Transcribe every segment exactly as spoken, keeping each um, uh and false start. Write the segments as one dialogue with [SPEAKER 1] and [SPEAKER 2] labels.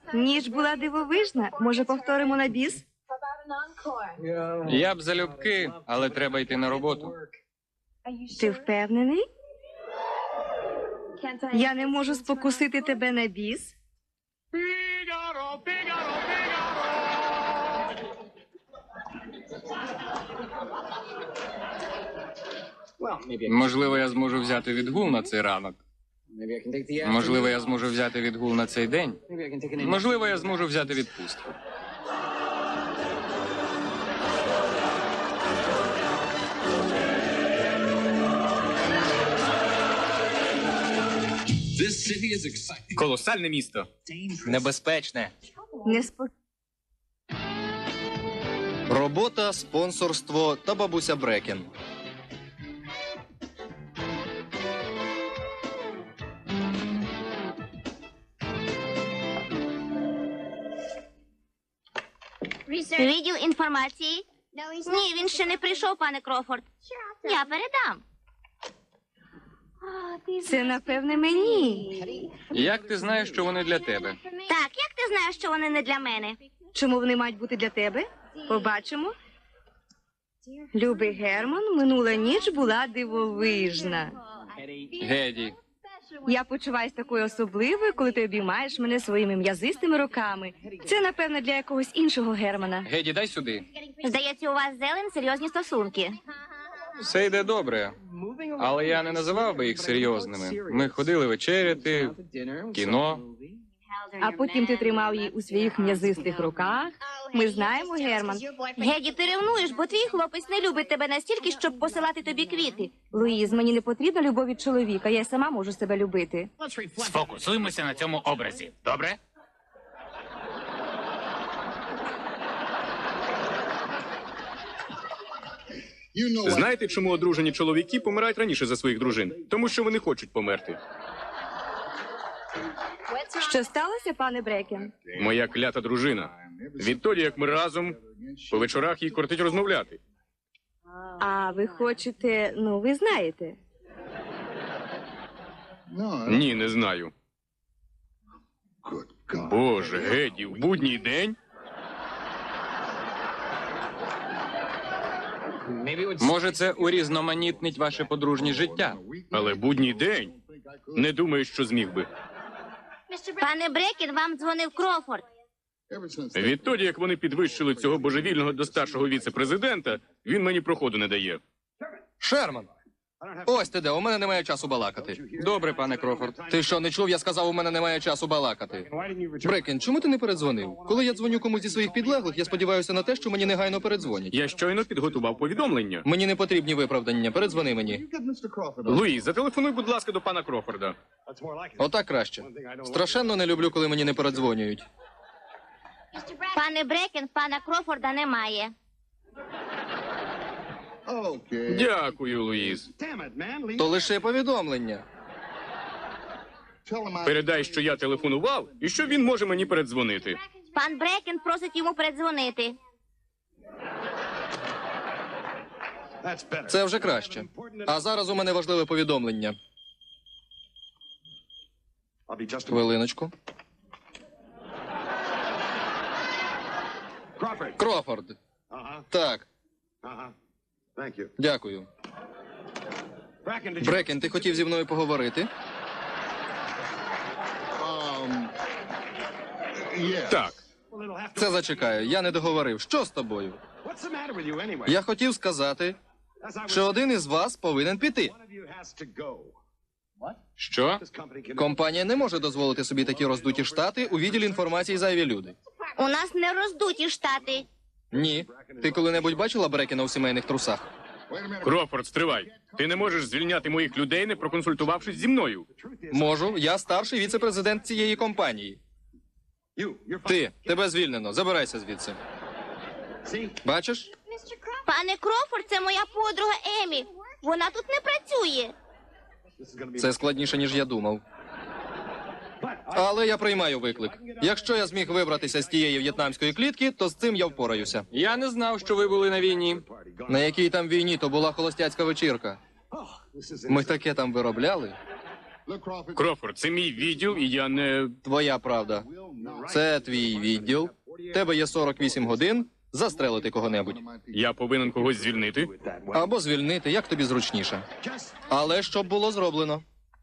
[SPEAKER 1] Ніч була дивовижна. Може, повторимо на біс?
[SPEAKER 2] Я б залюбки, але треба йти на роботу.
[SPEAKER 1] Ти впевнений? Я не можу спокусити тебе на біс?
[SPEAKER 2] Можливо, я зможу взяти відгул на цей ранок. Можливо, я зможу взяти відгул на цей день. Можливо, я зможу взяти відпустку.
[SPEAKER 3] Колосальне місто. Небезпечне.
[SPEAKER 1] Неспо...
[SPEAKER 4] Робота, спонсорство та бабуся Брекен.
[SPEAKER 5] Відділ інформації? Ні, він ще не прийшов, пане Крофорд. Я передам.
[SPEAKER 1] Це, напевне, мені.
[SPEAKER 2] Як ти знаєш, що вони для тебе?
[SPEAKER 5] Так, як ти знаєш, що вони не для мене?
[SPEAKER 1] Чому вони мають бути для тебе? Побачимо. Любий Герман, минула ніч була дивовижна.
[SPEAKER 2] Геді,
[SPEAKER 1] Я почуваюсь такою особливою, коли ти обіймаєш мене своїми м'язистими руками. Це, напевно, для якогось іншого Германа.
[SPEAKER 2] Геді, дай сюди.
[SPEAKER 5] Здається, у вас з Елен серйозні стосунки.
[SPEAKER 2] Все йде добре, але я не називав би їх серйозними. Ми ходили вечеряти, кіно.
[SPEAKER 1] А потім ти тримав її у своїх м'язистих руках. Ми знаємо, Герман.
[SPEAKER 5] Геді, ти ревнуєш, бо твій хлопець не любить тебе настільки, щоб посилати тобі квіти.
[SPEAKER 1] Луїз, мені не потрібна любов від чоловіка, я й сама можу себе любити.
[SPEAKER 3] Сфокусуємося на цьому образі. Добре?
[SPEAKER 6] Знаєте, чому одружені чоловіки помирають раніше за своїх дружин? Тому що вони хочуть померти.
[SPEAKER 1] Що сталося, пане Брекен?
[SPEAKER 6] Моя клята дружина. Відтоді, як ми разом, по вечорах їй кортить розмовляти.
[SPEAKER 1] А ви хочете, ну, ви знаєте.
[SPEAKER 6] Ні, не знаю. Боже, Геді, в будній день?
[SPEAKER 2] Може, це урізноманітнить ваше подружнє життя?
[SPEAKER 6] Але будній день? Не думаю, що зміг би.
[SPEAKER 5] Пане Брекен, вам дзвонив Крофорд.
[SPEAKER 6] Відтоді, як вони підвищили цього божевільного до старшого віце-президента, він мені проходу не дає.
[SPEAKER 4] Шерман! Ось ти де, у мене немає часу балакати.
[SPEAKER 2] Добре, пане Крофорд.
[SPEAKER 4] Ти що, не чув? Я сказав, у мене немає часу балакати. Брекен, чому ти не передзвонив? Коли я дзвоню комусь зі своїх підлеглих, я сподіваюся на те, що мені негайно передзвонять.
[SPEAKER 6] Я щойно підготував повідомлення.
[SPEAKER 4] Мені не потрібні виправдання, передзвони мені.
[SPEAKER 6] Луїс, зателефонуй, будь ласка, до пана Крофорда.
[SPEAKER 4] Отак краще. Страшенно не люблю, коли мені не передзвонюють.
[SPEAKER 5] Пане Брекен, пана Крофорда немає.
[SPEAKER 6] Дякую, Луїс.
[SPEAKER 4] То лише повідомлення.
[SPEAKER 6] Передай, що я телефонував, і що він може мені передзвонити.
[SPEAKER 5] Пан Брекен просить йому передзвонити.
[SPEAKER 4] Це вже краще. А зараз у мене важливе повідомлення. Хвилиночку. Крофорд. Так, дякую. Брекен, ти хотів зі мною поговорити?
[SPEAKER 6] Так.
[SPEAKER 4] Це зачекаю, я не договорив. Що з тобою? Я хотів сказати, що один із вас повинен піти.
[SPEAKER 2] Що?
[SPEAKER 4] Компанія не може дозволити собі такі роздуті штати у відділі інформації зайві люди.
[SPEAKER 5] У нас не роздуті штати.
[SPEAKER 4] Ні. Ти коли-небудь бачила Брекена у сімейних трусах?
[SPEAKER 6] Крофорд, стривай. Ти не можеш звільняти моїх людей, не проконсультувавшись зі мною.
[SPEAKER 4] Можу. Я старший віце-президент цієї компанії. Ти, тебе звільнено. Забирайся звідси. Бачиш?
[SPEAKER 5] Пане Крофорд, це моя подруга Емі. Вона тут не працює.
[SPEAKER 4] Це складніше, ніж я думав. Але я приймаю виклик. Якщо я зміг вибратися з тієї в'єтнамської клітки, то з цим я впораюся.
[SPEAKER 2] Я не знав, що ви були на війні.
[SPEAKER 4] На якій там війні, то була холостяцька вечірка. Ми таке там виробляли.
[SPEAKER 6] Крофорд, це мій відділ, і я не...
[SPEAKER 4] Твоя правда. Це твій відділ. Тебе є сорок вісім годин застрелити кого-небудь.
[SPEAKER 6] Я повинен когось звільнити.
[SPEAKER 4] Або звільнити, як тобі зручніше. Але щоб було зроблено.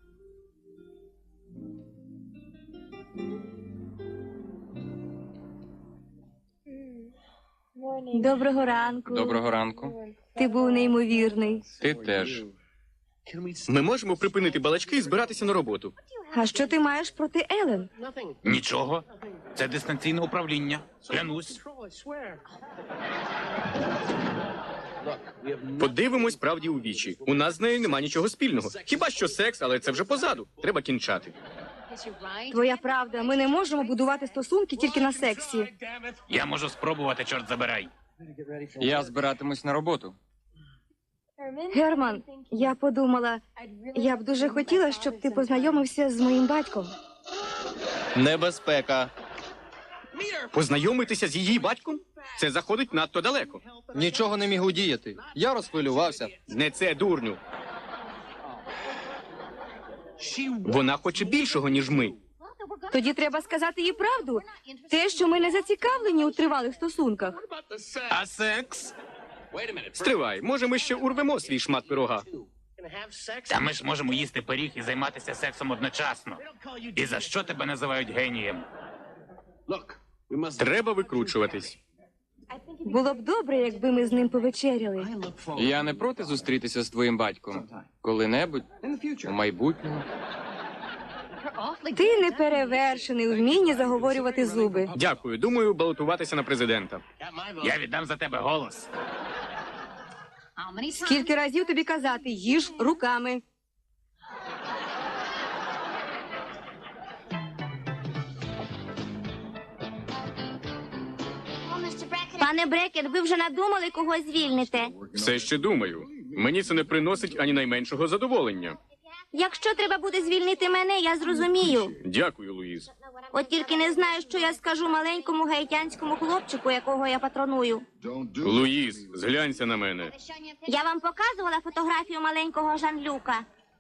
[SPEAKER 1] Доброго ранку.
[SPEAKER 2] Доброго ранку.
[SPEAKER 1] Ти був неймовірний.
[SPEAKER 2] Ти теж.
[SPEAKER 6] Ми можемо припинити балачки і збиратися на роботу.
[SPEAKER 1] А що ти маєш проти Елен?
[SPEAKER 3] Нічого. Це дистанційне управління. Клянусь.
[SPEAKER 6] Подивимось правді у вічі. У нас з нею нема нічого спільного. Хіба що секс, але це вже позаду. Треба кінчати.
[SPEAKER 1] Твоя правда, ми не можемо будувати стосунки тільки на сексі.
[SPEAKER 3] Я можу спробувати, чорт забирай.
[SPEAKER 2] Я збиратимусь на роботу.
[SPEAKER 1] Герман, я подумала, я б дуже хотіла, щоб ти познайомився з моїм батьком.
[SPEAKER 4] Небезпека.
[SPEAKER 6] Познайомитися з її батьком? Це заходить надто далеко.
[SPEAKER 4] Нічого не міг удіяти. Я розхвилювався.
[SPEAKER 6] Не це, дурню. Вона хоче більшого, ніж ми.
[SPEAKER 1] Тоді треба сказати їй правду. Те, що ми не зацікавлені у тривалих стосунках.
[SPEAKER 3] А секс?
[SPEAKER 6] Стривай, може ми ще урвемо свій шмат пирога.
[SPEAKER 3] Та ми ж можемо їсти пиріг і займатися сексом одночасно. І за що тебе називають генієм?
[SPEAKER 6] Треба викручуватись.
[SPEAKER 1] Було б добре, якби ми з ним повечеряли.
[SPEAKER 2] Я не проти зустрітися з твоїм батьком. Коли-небудь у майбутньому.
[SPEAKER 1] Ти неперевершений у вмінні заговорювати зуби.
[SPEAKER 6] Дякую, думаю, балотуватися на президента.
[SPEAKER 3] Я віддам за тебе голос.
[SPEAKER 1] Скільки разів тобі казати, їж руками.
[SPEAKER 5] Пане Брекет, ви вже надумали, кого звільните?
[SPEAKER 6] Все ще думаю. Мені це не приносить ані найменшого задоволення.
[SPEAKER 5] Якщо треба буде звільнити мене, я зрозумію.
[SPEAKER 6] Дякую, Луїз.
[SPEAKER 5] От тільки не знаю, що я скажу маленькому гаїтянському хлопчику, якого я патроную.
[SPEAKER 6] Луїз, зглянься на мене.
[SPEAKER 5] Я вам показувала фотографію маленького Жан-Люка.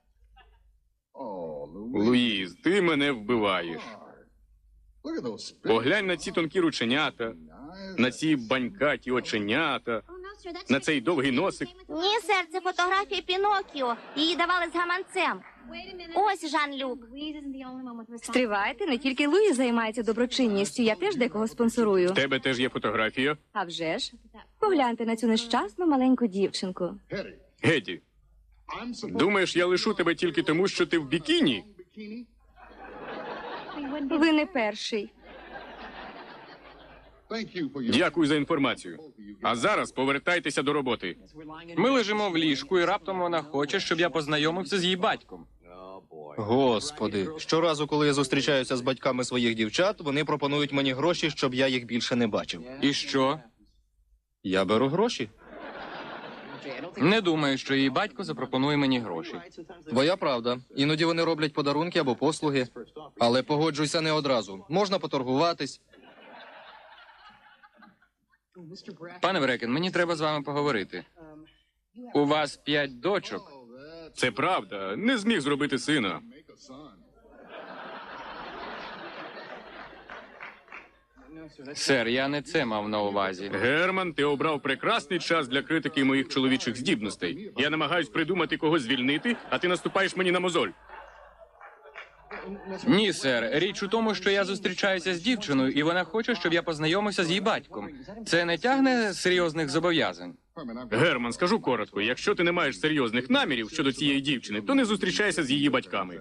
[SPEAKER 6] Луїз, ти мене вбиваєш. Поглянь на ці тонкі рученята, на ці банькаті оченята, на цей довгий носик.
[SPEAKER 5] Ні, сер, це фотографія Пінокіо. Її давали з гаманцем. Ось Жан-Люк.
[SPEAKER 1] Стривайте, не тільки Луї займається доброчинністю, я теж декого спонсорую.
[SPEAKER 6] В тебе теж є фотографія.
[SPEAKER 1] А вже ж, погляньте на цю нещасну маленьку дівчинку.
[SPEAKER 6] Геді, думаєш, я лишу тебе тільки тому, що ти в бікіні?
[SPEAKER 1] Ви не перший.
[SPEAKER 6] Дякую за інформацію. А зараз повертайтеся до роботи.
[SPEAKER 2] Ми лежимо в ліжку, і раптом вона хоче, щоб я познайомився з її батьком.
[SPEAKER 4] Господи, щоразу, коли я зустрічаюся з батьками своїх дівчат, вони пропонують мені гроші, щоб я їх більше не бачив.
[SPEAKER 2] І що?
[SPEAKER 4] Я беру гроші.
[SPEAKER 2] Не думаю, що її батько запропонує мені гроші.
[SPEAKER 4] Твоя правда. Іноді вони роблять подарунки або послуги. Але погоджуйся не одразу. Можна поторгуватись.
[SPEAKER 2] Пане Брекен, мені треба з вами поговорити. У вас п'ять дочок.
[SPEAKER 6] Це правда. Не зміг зробити сина.
[SPEAKER 2] Сер, я не це мав на увазі.
[SPEAKER 6] Герман, ти обрав прекрасний час для критики моїх чоловічих здібностей. Я намагаюсь придумати, кого звільнити, а ти наступаєш мені на мозоль.
[SPEAKER 2] Ні, сер. Річ у тому, що я зустрічаюся з дівчиною, і вона хоче, щоб я познайомився з її батьком. Це не тягне серйозних зобов'язань.
[SPEAKER 6] Герман, скажу коротко, якщо ти не маєш серйозних намірів щодо цієї дівчини, то не зустрічайся з її батьками.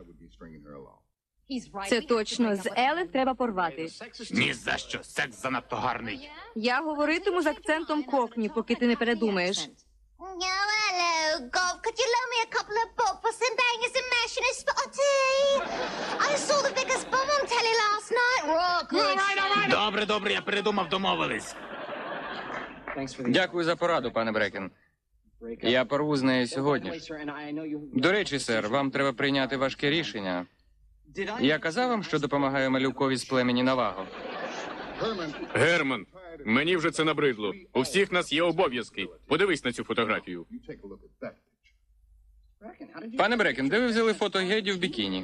[SPEAKER 1] Це точно, з Елен треба порвати.
[SPEAKER 3] Ні за що. Секс занадто гарний.
[SPEAKER 1] Я говоритиму з акцентом кокні, поки ти не передумаєш.
[SPEAKER 5] No, hello, Gov. Could you loan me a couple of bob for some bangers and mash and a spotty? I saw the biggest bum on telly last night. Raw good.
[SPEAKER 3] Добре, добре, я передумав, домовились.
[SPEAKER 2] Дякую за пораду, пане Брекен. Я порву з нею сьогодні ж. До речі, сер, вам треба прийняти важке рішення. Я казав вам, що допомагаю малюкові з племені Наваго.
[SPEAKER 6] Герман, мені вже це набридло. У всіх нас є обов'язки. Подивись на цю фотографію.
[SPEAKER 2] Пане Брекен, де ви взяли фото Геді в бікіні?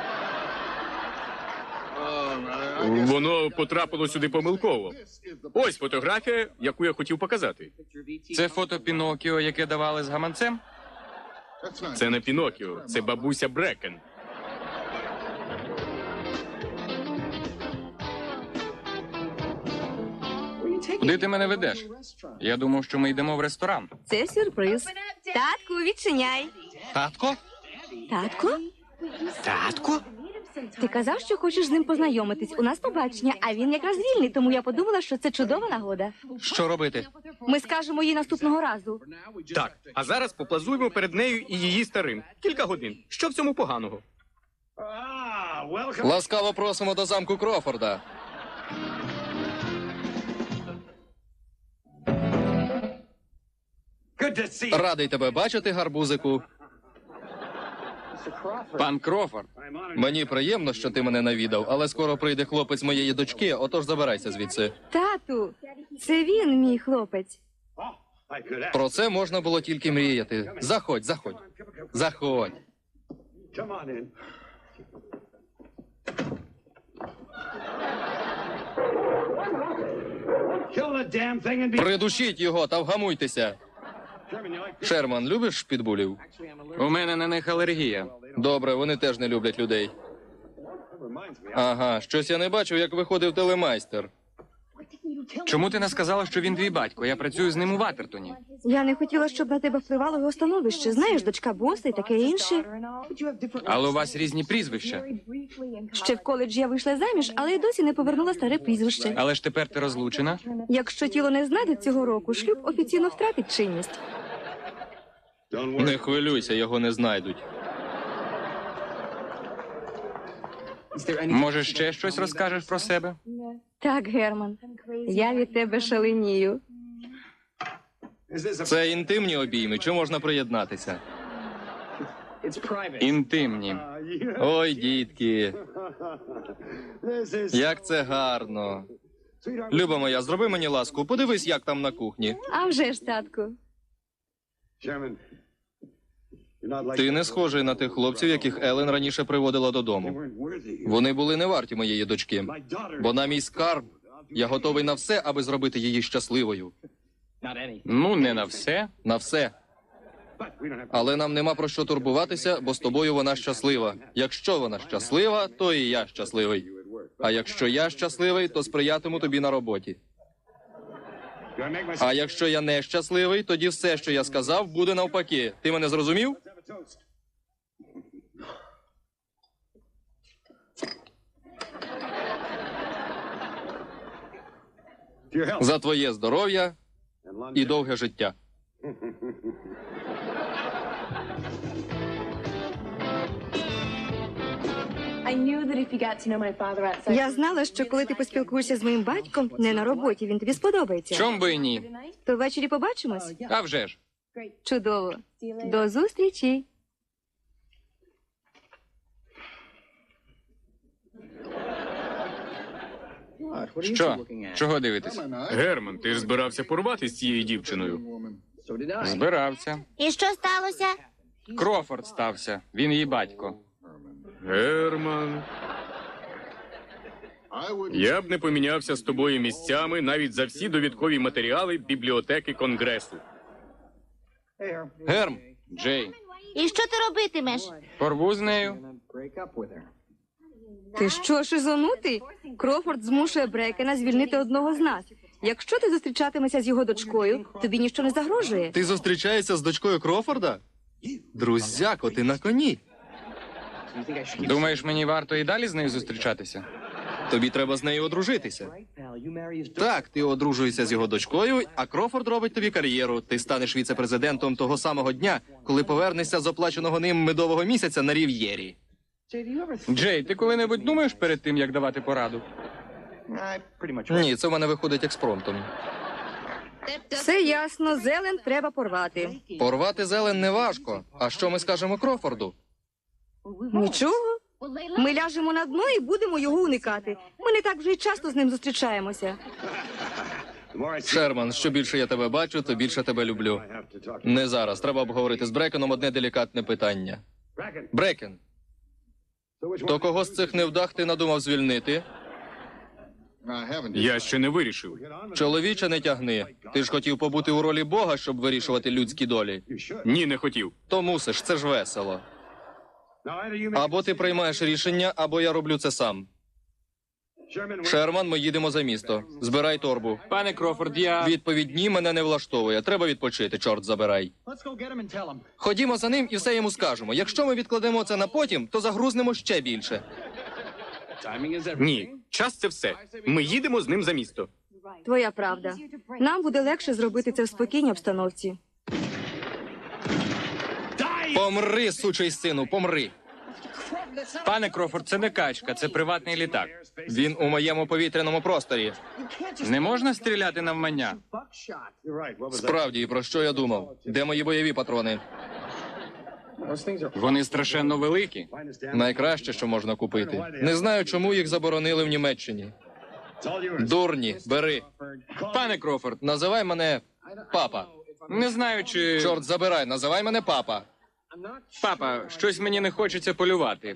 [SPEAKER 6] Воно потрапило сюди помилково. Ось фотографія, яку я хотів показати.
[SPEAKER 2] Це фото Пінокіо, яке давали з гаманцем?
[SPEAKER 6] Це не Пінокіо, це бабуся Брекен.
[SPEAKER 2] Куди ти мене ведеш? Я думав, що ми йдемо в ресторан.
[SPEAKER 1] Це сюрприз. Татку, відчиняй.
[SPEAKER 4] Татко?
[SPEAKER 1] Татку?
[SPEAKER 4] Татко?
[SPEAKER 1] Ти казав, що хочеш з ним познайомитись. У нас побачення, а він якраз вільний, тому я подумала, що це чудова нагода.
[SPEAKER 4] Що робити?
[SPEAKER 1] Ми скажемо їй наступного разу.
[SPEAKER 6] Так, а зараз поплазуємо перед нею і її старим. Кілька годин. Що в цьому поганого?
[SPEAKER 4] Ласкаво просимо до замку Крофорда. Радий тебе бачити, гарбузику.
[SPEAKER 2] Пан Крофорд.
[SPEAKER 4] Мені приємно, що ти мене навідав, але скоро прийде хлопець моєї дочки, отож забирайся звідси.
[SPEAKER 1] Тату, це він, мій хлопець.
[SPEAKER 4] Про це можна було тільки мріяти. Заходь, заходь. Заходь. Придушіть його та вгамуйтеся. Шерман, любиш підбулів?
[SPEAKER 2] У мене на них алергія.
[SPEAKER 4] Добре, вони теж не люблять людей. Ага, щось я не бачив, як виходив телемайстер.
[SPEAKER 2] Чому ти не сказала, що він твій батько? Я працюю з ним у Ватертоні.
[SPEAKER 1] Я не хотіла, щоб на тебе впливало його становище. Знаєш, дочка боса і таке інше.
[SPEAKER 2] Але у вас різні прізвища.
[SPEAKER 1] Ще в коледжі я вийшла заміж, але й досі не повернула старе прізвище.
[SPEAKER 2] Але ж тепер ти розлучена.
[SPEAKER 1] Якщо тіло не знайдуть цього року, шлюб офіційно втратить чинність.
[SPEAKER 4] Не хвилюйся, його не знайдуть.
[SPEAKER 2] Може, ще щось розкажеш про себе?
[SPEAKER 1] Так, Герман, я від тебе шаленію.
[SPEAKER 4] Це інтимні обійми, чи можна приєднатися?
[SPEAKER 2] Інтимні.
[SPEAKER 4] Ой, дітки, як це гарно. Люба моя, зроби мені ласку, подивись, як там на кухні.
[SPEAKER 1] А вже ж, татку.
[SPEAKER 4] Ти не схожий на тих хлопців, яких Елен раніше приводила додому. Вони були не варті моєї дочки. Вона мій скарб. Я готовий на все, аби зробити її щасливою.
[SPEAKER 2] Ну, не на все.
[SPEAKER 4] На все. Але нам нема про що турбуватися, бо з тобою вона щаслива. Якщо вона щаслива, то і я щасливий. А якщо я щасливий, то сприятиму тобі на роботі. А якщо я не щасливий, тоді все, що я сказав, буде навпаки. Ти мене зрозумів? За твоє здоров'я і довге життя.
[SPEAKER 1] Я знала, що коли ти поспілкуєшся з моїм батьком, не на роботі, він тобі сподобається.
[SPEAKER 2] Чом би і ні?
[SPEAKER 1] То ввечері побачимось?
[SPEAKER 2] А вже ж.
[SPEAKER 1] Чудово. До зустрічі.
[SPEAKER 2] Що? Чого дивитись?
[SPEAKER 6] Герман, ти ж збирався порвати з цією дівчиною.
[SPEAKER 2] Збирався.
[SPEAKER 5] І що сталося?
[SPEAKER 2] Крофорд стався. Він її батько.
[SPEAKER 6] Герман. Я б не помінявся з тобою місцями навіть за всі довідкові матеріали бібліотеки Конгресу.
[SPEAKER 4] Герм,
[SPEAKER 2] Джей,
[SPEAKER 5] І що ти робитимеш?
[SPEAKER 2] порву з нею.
[SPEAKER 1] Ти що, шизонутий? Крофорд змушує Брекена звільнити одного з нас. Якщо ти зустрічатимешся з його дочкою, тобі ніщо не загрожує.
[SPEAKER 4] ти зустрічаєшся з дочкою Крофорда? Друзяко, ти на коні.
[SPEAKER 2] Думаєш, мені варто і далі з нею зустрічатися?
[SPEAKER 4] Тобі треба з нею одружитися. Так, ти одружуєшся з його дочкою, а Крофорд робить тобі кар'єру. Ти станеш віце-президентом того самого дня, коли повернешся з оплаченого ним медового місяця на Рів'єрі.
[SPEAKER 2] Джей, ти коли-небудь думаєш перед тим, як давати пораду?
[SPEAKER 4] Ні, це в мене виходить експромтом.
[SPEAKER 1] Все ясно, зелень треба порвати.
[SPEAKER 4] Порвати зелень не важко. А що ми скажемо Крофорду?
[SPEAKER 1] Нічого. Ми ляжемо на дно і будемо його уникати. Ми не так вже й часто з ним зустрічаємося.
[SPEAKER 4] Шерман, що більше я тебе бачу, то більше тебе люблю. Не зараз. Треба обговорити з Брекеном одне делікатне питання. Брекен, то кого з цих невдах ти надумав звільнити?
[SPEAKER 6] Я ще не вирішив.
[SPEAKER 4] Чоловіче, не тягни. Ти ж хотів побути у ролі Бога, щоб вирішувати людські долі.
[SPEAKER 6] Ні, не хотів.
[SPEAKER 4] То мусиш, це ж весело. Або ти приймаєш рішення, або я роблю це сам. Шерман, ми їдемо за місто. Збирай торбу.
[SPEAKER 2] Пане Крофорд, я...
[SPEAKER 4] Відповідь ні, мене не влаштовує. Треба відпочити, чорт забирай. Ходімо за ним і все йому скажемо. Якщо ми відкладемо це на потім, то загрузнемо ще більше.
[SPEAKER 6] Ні, час це все. Ми їдемо з ним за місто.
[SPEAKER 1] Твоя правда. Нам буде легше зробити це в спокійній обстановці.
[SPEAKER 4] Помри, сучий сину, помри.
[SPEAKER 2] Пане Крофорд, це не качка, це приватний літак.
[SPEAKER 4] Він у моєму повітряному просторі.
[SPEAKER 2] Не можна стріляти навмання.
[SPEAKER 4] Справді, і про що я думав? Де мої бойові патрони?
[SPEAKER 2] Вони страшенно великі.
[SPEAKER 4] Найкраще, що можна купити. Не знаю, чому їх заборонили в Німеччині. Дурні, бери.
[SPEAKER 2] Пане Крофорд,
[SPEAKER 4] Називай мене папа.
[SPEAKER 2] не знаю, чи...
[SPEAKER 4] Чорт забирай, називай мене папа.
[SPEAKER 2] Папа, щось мені не хочеться полювати.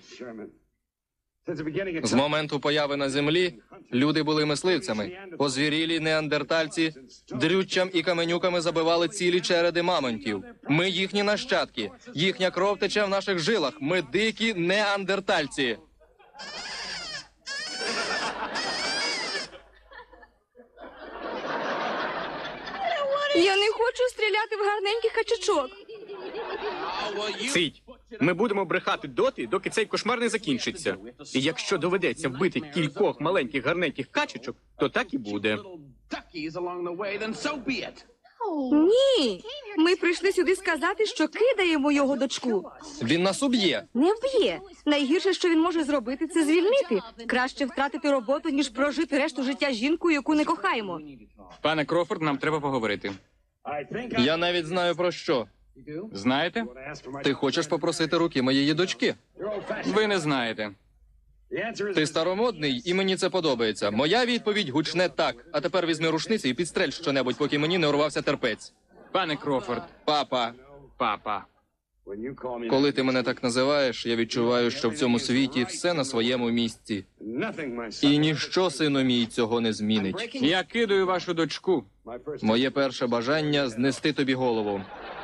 [SPEAKER 4] З моменту появи на землі люди були мисливцями. Озвірілі неандертальці дрюччям і каменюками забивали цілі череди мамонтів. Ми їхні нащадки. Їхня кров тече в наших жилах. Ми дикі неандертальці.
[SPEAKER 1] Я не хочу стріляти в гарненьких качачок.
[SPEAKER 6] Цить. Ми будемо брехати доти, доки цей кошмар не закінчиться. І якщо доведеться вбити кількох маленьких гарненьких качечок, то так і буде.
[SPEAKER 1] Ні, ми прийшли сюди сказати, що кидаємо його дочку.
[SPEAKER 4] Він нас уб'є.
[SPEAKER 1] Не вб'є. Найгірше, що він може зробити, це звільнити. Краще втратити роботу, ніж прожити решту життя жінкою, яку не кохаємо.
[SPEAKER 2] Пане Крофорд, нам треба поговорити.
[SPEAKER 4] Я навіть знаю про що.
[SPEAKER 2] Знаєте?
[SPEAKER 4] Ти хочеш попросити руки моєї дочки?
[SPEAKER 2] Ви не знаєте.
[SPEAKER 4] Ти старомодний, і мені це подобається. Моя відповідь гучне так. А тепер візьми рушниці і підстрель щонебудь, поки мені не урвався терпець.
[SPEAKER 2] Пане Крофорд,
[SPEAKER 4] Папа,
[SPEAKER 2] папа.
[SPEAKER 4] коли ти мене так називаєш, я відчуваю, що в цьому світі все на своєму місці. І ніщо, сину мій, цього не змінить.
[SPEAKER 2] Я кидаю вашу дочку.
[SPEAKER 4] Моє перше бажання — знести тобі голову.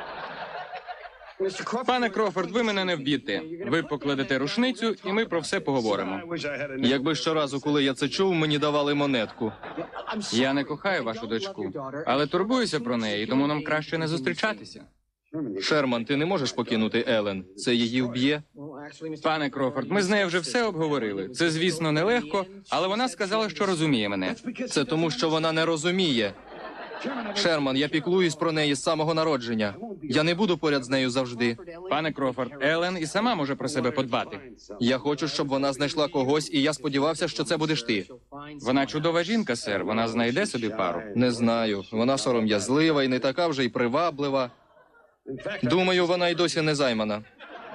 [SPEAKER 2] Пане Крофорд, ви мене не вб'єте. Ви покладете рушницю, і ми про все поговоримо.
[SPEAKER 4] Якби щоразу, коли я це чув, мені давали монетку.
[SPEAKER 2] Я не кохаю вашу дочку, але турбуюся про неї, тому нам краще не зустрічатися.
[SPEAKER 4] Шерман, ти не можеш покинути Елен. Це її вб'є.
[SPEAKER 2] Пане Крофорд, ми з нею вже все обговорили. Це, звісно, нелегко, але вона сказала, що розуміє мене.
[SPEAKER 4] Це тому, що вона не розуміє. Шерман, я піклуюсь про неї з самого народження. Я не буду поряд з нею завжди.
[SPEAKER 2] Пане Крофорд, Елен і сама може про себе подбати.
[SPEAKER 4] Я хочу, щоб вона знайшла когось, і я сподівався, що це будеш ти.
[SPEAKER 2] Вона чудова жінка, сер. Вона знайде собі пару.
[SPEAKER 4] Не знаю. Вона сором'язлива і не така вже й приваблива. Думаю, вона й досі не займана.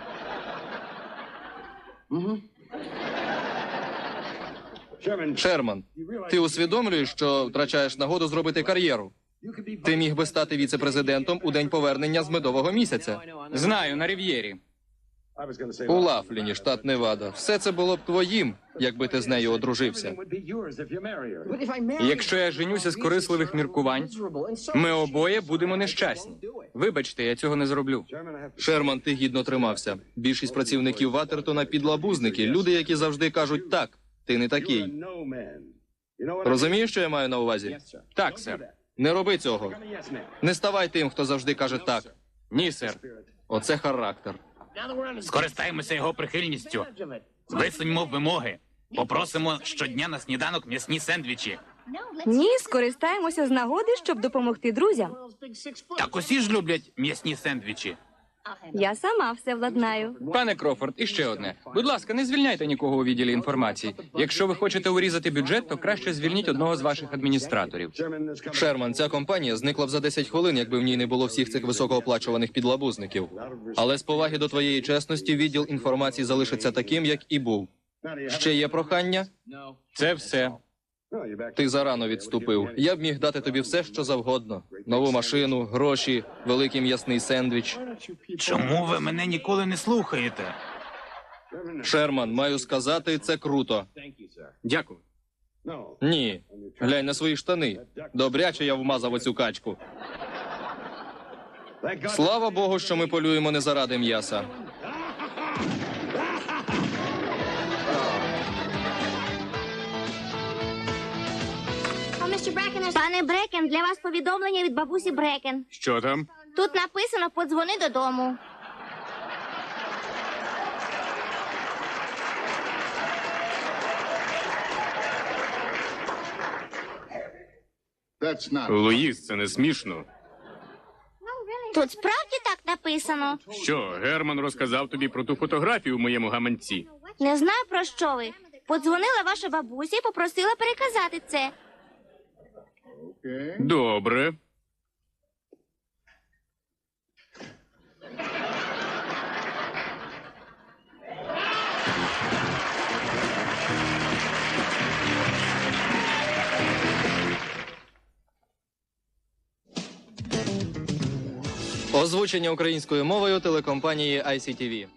[SPEAKER 4] Шерман, ти усвідомлюєш, що втрачаєш нагоду зробити кар'єру? Ти міг би стати віце-президентом у день повернення з медового місяця.
[SPEAKER 2] Знаю, на Рів'єрі.
[SPEAKER 4] У Лафліні, штат Невада. Все це було б твоїм, якби ти з нею одружився.
[SPEAKER 2] Якщо я женюся з корисливих міркувань, ми обоє будемо нещасні. Вибачте, я цього не зроблю.
[SPEAKER 4] Шерман, ти гідно тримався. Більшість працівників Ватертона підлабузники, люди, які завжди кажуть «так». Ти не такий. Розумієш, що я маю на увазі?
[SPEAKER 2] Так, сер.
[SPEAKER 4] Не роби цього. Не ставай тим, хто завжди каже «так».
[SPEAKER 2] Ні, сер.
[SPEAKER 4] Оце характер.
[SPEAKER 3] Скористаємося його прихильністю. Висуньмо вимоги. Попросимо щодня на сніданок м'ясні сендвічі.
[SPEAKER 1] Ні, скористаємося з нагоди, щоб допомогти друзям.
[SPEAKER 3] Так усі ж люблять м'ясні сендвічі.
[SPEAKER 1] Я сама все владнаю.
[SPEAKER 2] Пане Крофорд, і ще одне. Будь ласка, не звільняйте нікого у відділі інформації. Якщо ви хочете урізати бюджет, то краще звільніть одного з ваших адміністраторів.
[SPEAKER 4] Шерман, ця компанія зникла б за десять хвилин, якби в ній не було всіх цих високооплачуваних підлабузників. Але з поваги до твоєї чесності відділ інформації залишиться таким, як і був. Ще є прохання?
[SPEAKER 2] Це все.
[SPEAKER 4] Ти зарано відступив. Я б міг дати тобі все, що завгодно: нову машину, гроші, великий м'ясний сендвіч.
[SPEAKER 3] Чому ви мене ніколи не слухаєте?
[SPEAKER 4] Шерман, маю сказати, це круто.
[SPEAKER 6] Дякую.
[SPEAKER 4] Ні. Глянь на свої штани. Добряче я вмазав оцю качку. Слава Богу, що ми полюємо не заради м'яса.
[SPEAKER 5] Пане Брекен, для вас повідомлення від бабусі Брекен.
[SPEAKER 6] Що там?
[SPEAKER 5] Тут написано «Подзвони додому».
[SPEAKER 6] Луїс, це не смішно.
[SPEAKER 5] Тут справді так написано.
[SPEAKER 6] Що, Герман розказав тобі про ту фотографію в моєму гаманці?
[SPEAKER 5] Не знаю, про що ви. Подзвонила ваша бабуся і попросила переказати це.
[SPEAKER 6] Добре.
[SPEAKER 4] Озвучення українською мовою телекомпанії ай сі ті ві.